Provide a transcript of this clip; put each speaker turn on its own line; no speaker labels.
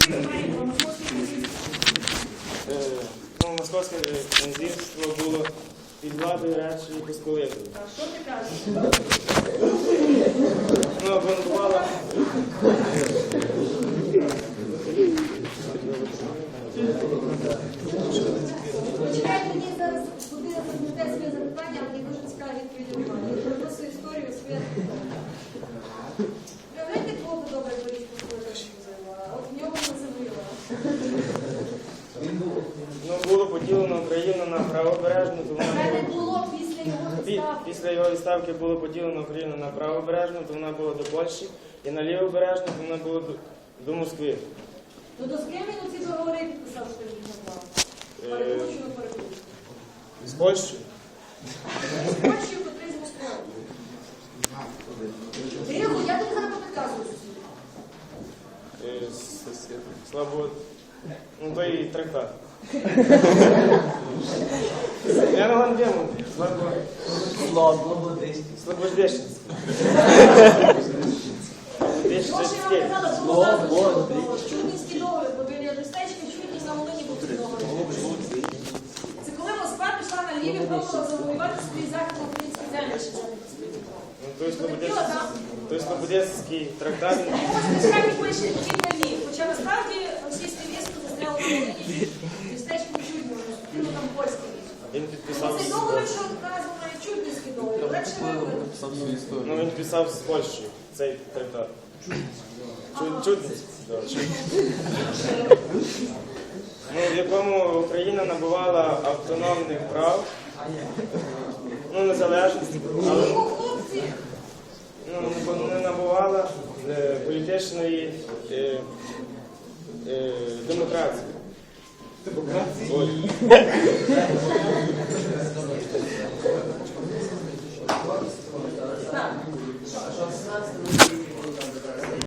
Московське князівство було під владою Речі Посполитої.
А що ти кажеш?
Бунтувала.
Почекайте, мені зараз буде запитати своє запитання, але мені дуже цікаві відповіді немає. Я просто історію своє. Уявляєте, кого би добре Борис Посполитої взяла? От в нього не забила.
Було поділено Україну на правобережну, то
Це не було після його відставки.
Після його відставки було поділено Україну на правобережну, то вона була до Польщі, і на лівобережну, то вона була до Москви.
Ну то з ким він оці договори підписав, що ти не знав? Перекручую, перекручую.
З Польщею?
З Польщею, котрий з Москвою. Тихо, я тобі зараз підказую.
Слабо... то і трактат. Я на Ландему. Слобождещенський.
Що ж я вам казала, чому назва договор? Чудницький договір, бо біля містечка Чудність на Волині був цей договір. Це коли Москва пішла на Львів і пробувала завоювати свої західно-українські землі.
Той Слободецький трактат.
Ось мішкані пише «Львів на Львів». Хоча насправді російське військо застряло на Волині містечко Чудність, ну там польське військо.
Він підписав...
Цей договір, що названо Чудницький договір, легше виговорити.
Він підписав з Польщею цей трактат. Чудність. В якому Україна набувала автономних прав, незалежності, але не набувала політичної демократії.
Так.